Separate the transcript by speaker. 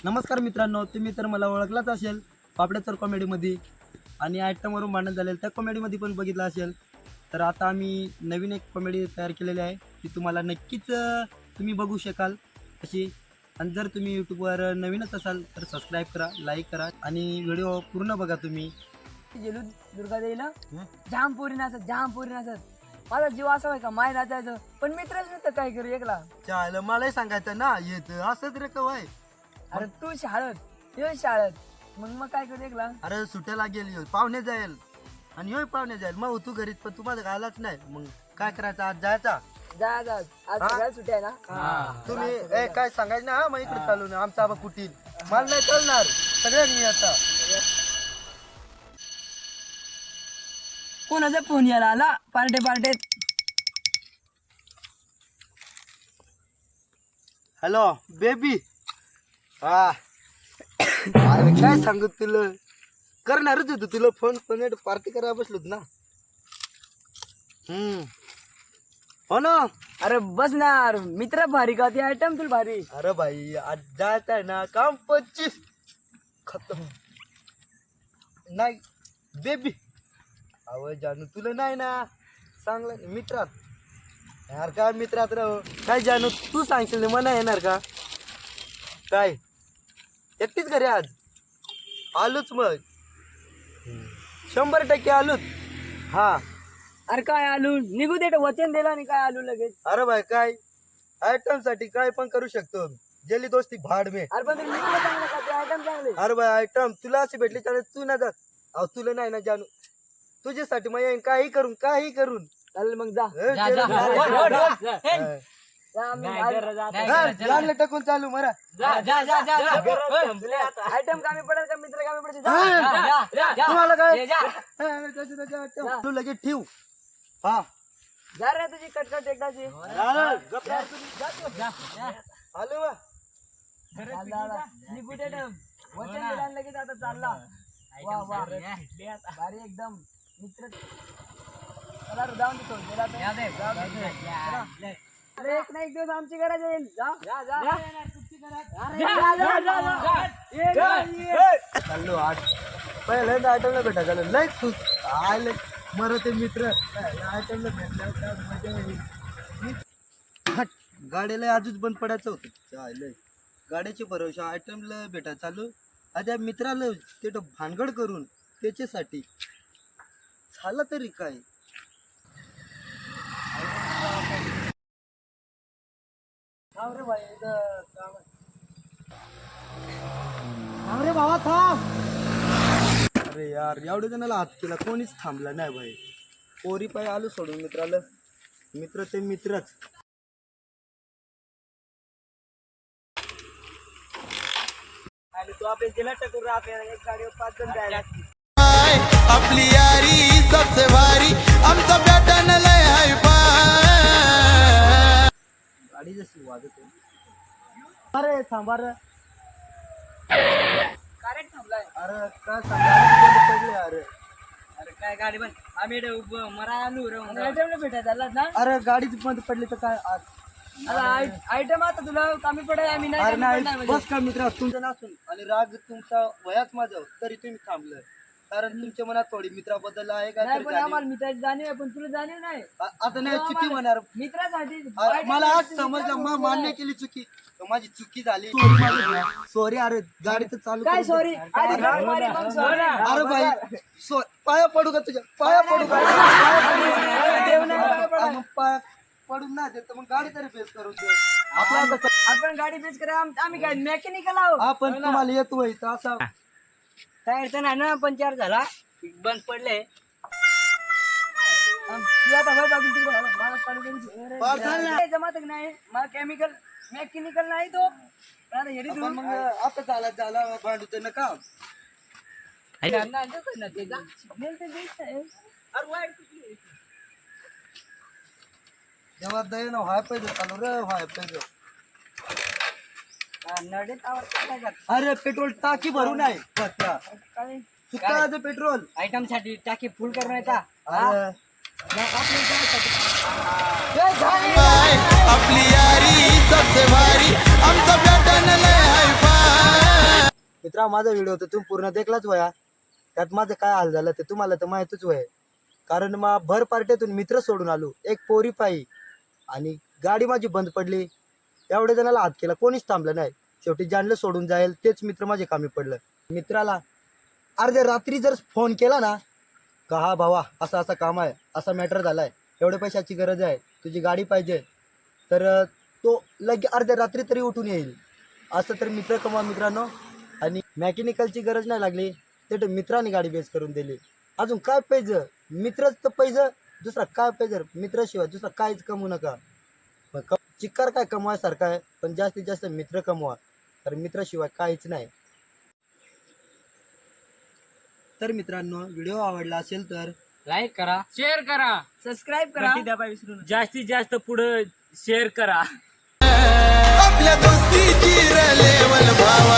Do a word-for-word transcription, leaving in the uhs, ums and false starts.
Speaker 1: नमस्कार मित्रांनो, तुम्ही तर मला ओळखलाच असेल पापड्यातर कॉमेडीमध्ये आणि आयटमवरून भांडण झालेलं त्या कॉमेडीमध्ये पण बघितलं असेल. तर आता आम्ही नवीन एक कॉमेडी तयार केलेली आहे ती तुम्हाला नक्कीच अ, तुम्ही बघू शकाल अशी. आणि जर तुम्ही यूट्यूबवर नवीनच असाल तर सबस्क्राईब करा, लाईक करा आणि व्हिडिओ पूर्ण बघा तुम्ही.
Speaker 2: गेलो दुर्गादेवीला जाम पोरी नाचत जाम पोरी नाचत माझा जीव असा आहे का माय नाचायचं पण मित्रच नाही तर काय करू एकला.
Speaker 1: चाल मलाही सांगायचं ना येत असंच रे कवाय.
Speaker 2: अरे तू शाळेत ये शाळेत मग मग काय करू एकला.
Speaker 1: अरे सुट्याला गेली पाहुणे जाईल आणि होय पाहुणे जाईल मग तू घरीच पण तुम्हाला घालाच नाही. मग काय करायचं आज जायचा
Speaker 2: जा जा आज
Speaker 1: हा?
Speaker 2: सगळ्या सुट्या आहे ना.
Speaker 1: तुम्ही ए काय सांगायचं ना हा, मग इकडे चालू ना आमचा आबा कुटील मला नाही चालणार सगळ्यांनी आता.
Speaker 2: कोणाचा फोन यायला आला पार्टे पार्टेत.
Speaker 1: Hello baby. हा अरे काय सांगू तुला करणारच होतो तुला फोन पण पार्टी करायला बसलोत ना. हम्म हो ना.
Speaker 2: अरे बसणार मित्र भारी का ती आयटम तुला भारी.
Speaker 1: अरे भाई आज जायचं आहे ना काम पच्चीस खतम नाही बेबी. अव जानू तुला नाही ना चांगलं मित्रात यार काय मित्रात राहू काय जानू तू सांगशील ना मना येणार का काय एकटीच घरी आज आलोच मग शंभर टक्के आलोच. हा
Speaker 2: अरे काय आलू निघू दे वचन दिला आणि काय आलू लगेच.
Speaker 1: अरे भाई काय आयटम साठी काय पण करू शकतो जेली दोस्ती भाड में.
Speaker 2: अरे पण तुम्ही निघून चांगलं का ते आयटम चांगले.
Speaker 1: अरे भाई आयटम तुला अशी भेटली त्याने तू ना जात. अहो तुला नाही ना जानू तुझ्यासाठी मग येईन काही करून काही करून.
Speaker 2: चालेल मग जा
Speaker 1: ए,
Speaker 2: जा,
Speaker 1: जेल
Speaker 2: जा.
Speaker 1: मध्ये
Speaker 2: ओढ, ओढ, ओढ.
Speaker 1: हा.
Speaker 2: जा, आम्ही आलो.
Speaker 1: हा, लागलं टाकून चालू मरा.
Speaker 2: आयटम कामी पडेल का मित्र कामी पडते. जा,
Speaker 1: हा.
Speaker 2: जा, जा, जा.
Speaker 1: तुम्हाला काय
Speaker 2: जा,
Speaker 1: हा, त्याचं- त्याचं item. तू लगेच ठेव. हा
Speaker 2: जा रे तुझी कटकट एकदाची.
Speaker 1: आलं, गप्प राहा तुम्ही. आलं बा.
Speaker 2: जा, जा, जा. निघू दे ना. वचन दिलं आणि लगेच आता चालला. वा वा भारी एकदम मित्र. चला रे, जाऊन देतो गेला तर. जाऊ दे. चला. अरे एक ना एक दिवस आमची गरज येईल. जा जा जा अरे, जा, जा, जा, जा. ये, ये, ये.
Speaker 1: चाललो आठ पहिल्यांदा आयटमला भेटा झालं लय खुश आले मर ते मित्र आयटमला भेटल्यावर काय मजा येईल. हट, गाडीला आजच बंद पडायचं होतं चालय गाड्याचे भरोशा आयटमला भेटा चालू आता मित्राला ते भानगड करून त्याच्यासाठी झालं तरी काय. थांब रे भाई इथं काम आहे. थांब रे बाबा थांब. अरे यार एवढ्या जणाला हात केला कोणीच थांबला नाही भाई. पोरी पाय आलो सोडून मित्राला मित्र ते मित्रच. आणि तू आपल्या जिल्हा टकूर आपल्याला एक गाडीवर पाच जण जायला.
Speaker 3: आपली यारी सबसे भारी आमचा पॅटर्न लय हाय फाय.
Speaker 1: गाडी जशी वाजत आहे. अरे थांबा रे.
Speaker 2: कारेट थांबलाय.
Speaker 1: अरे काय सांगा पडले अरे.
Speaker 2: अरे काय गाडी बंद आम्ही इकडे उभं मरा आलू रे. आयटमला भेटायला चाललात ना.
Speaker 1: अरे गाडीच बंद पडली तर काय आज.
Speaker 2: आयटम आता तुला कमी पडेल आम्ही
Speaker 1: अरे
Speaker 2: नाही
Speaker 1: नाही बस का मित्र तुमचं नसून आणि राग तुमचा वयाच माझं तरी तुम्ही थांबलं कारण तुमच्या मनात थोडी मित्राबद्दल आहे काय
Speaker 2: नाही
Speaker 1: तरी
Speaker 2: पण
Speaker 1: जाणीव.
Speaker 2: आम्हाला मित्राची जाणीव आहे पण तुला जाणीव नाही.
Speaker 1: आ- आता नाही चुकी होणार.
Speaker 2: मित्रासाठी
Speaker 1: अरे, मला आज समजलं मग मान्य केली चुकी तर माझी चुकी झाली सॉरी. अरे गाडी तर चालू
Speaker 2: काय
Speaker 1: करून
Speaker 2: सॉरी
Speaker 1: दे.
Speaker 2: आधी गाडी मारी, मग sorry.
Speaker 1: अरे भाई सो- पाया पडू का तुझ्या पाया पडू का
Speaker 2: देव नाही पाया पडा.
Speaker 1: आ, मग पाया पडून नाही देत तर मग गाडी तरी बेस करून दे. आपला आता
Speaker 2: आपण गाडी बेच करा आम- आम्ही काय मेकॅनिकल आहोत.
Speaker 1: आपण तुम्हाला येतोय तर असा
Speaker 2: काय अडचण आहे ना पंचर झाला बंद पडले. जमात नाही मला केमिकल मेकॅनिकल नाही तो आता हेरी
Speaker 1: आपण मग आता झाला झाला भांडू ते नका. जेव्हा दे ना व्हाय पाहिजे चालू रे व्हाय पाहिजे. अरे पेट्रोल टाकी भरून आहे पत्रा सुकाचं पेट्रोल
Speaker 2: आयटम साठी टाकी फुल करून येता.
Speaker 1: अरे
Speaker 3: आपली यारी सबसे भारी आमचा पॅटर्न लय हाय फाय.
Speaker 1: मित्रा माझा व्हिडिओ तर तुम्ही पूर्ण देखलाच वया, त्यात माझं काय हाल झालं ते तुम्हाला तर माहीतच वय. कारण मग भर पार्ट्यातून मित्र सोडून आलो एक पोरी पायी, आणि गाडी माझी बंद पडली. एवढ्या जणाला हात केला, कोणीच थांबलं नाही. शेवटी ज्यांना सोडून जाईल तेच मित्र माझे कामी पडलं. मित्राला अर्ध्या रात्री जर फोन केला ना का हा भावा असा असा काम आहे, असा मॅटर झाला आहे, एवढ्या पैशाची गरज आहे, तुझी गाडी पाहिजे, तर अं, तो लगे अर्ध्या रात्री तरी उठून येईल. असं तर मित्र कमवा मित्रांनो. आणि मॅकॅनिकलची गरज नाही लागली ते तर मित्राने गाडी बेस करून दिली. अजून काय पाहिजे, मित्रच तर पाहिजे, दुसरा काय पाहिजे. मित्राशिवाय दुसरा काहीच कमवू नका. मग क चिक्कार काय कमवायसारखं आहे, पण जास्तीत जास्त मित्र कमवा, कारण मित्राशिवाय काहीच नाही. तर मित्रांनो व्हिडिओ आवडला असेल तर
Speaker 4: लाईक करा, शेअर करा,
Speaker 2: सबस्क्राईब करा.
Speaker 4: जास्तीत जास्त पुढे शेअर करा.
Speaker 3: आपल्या दोस्तीची लेवल भावा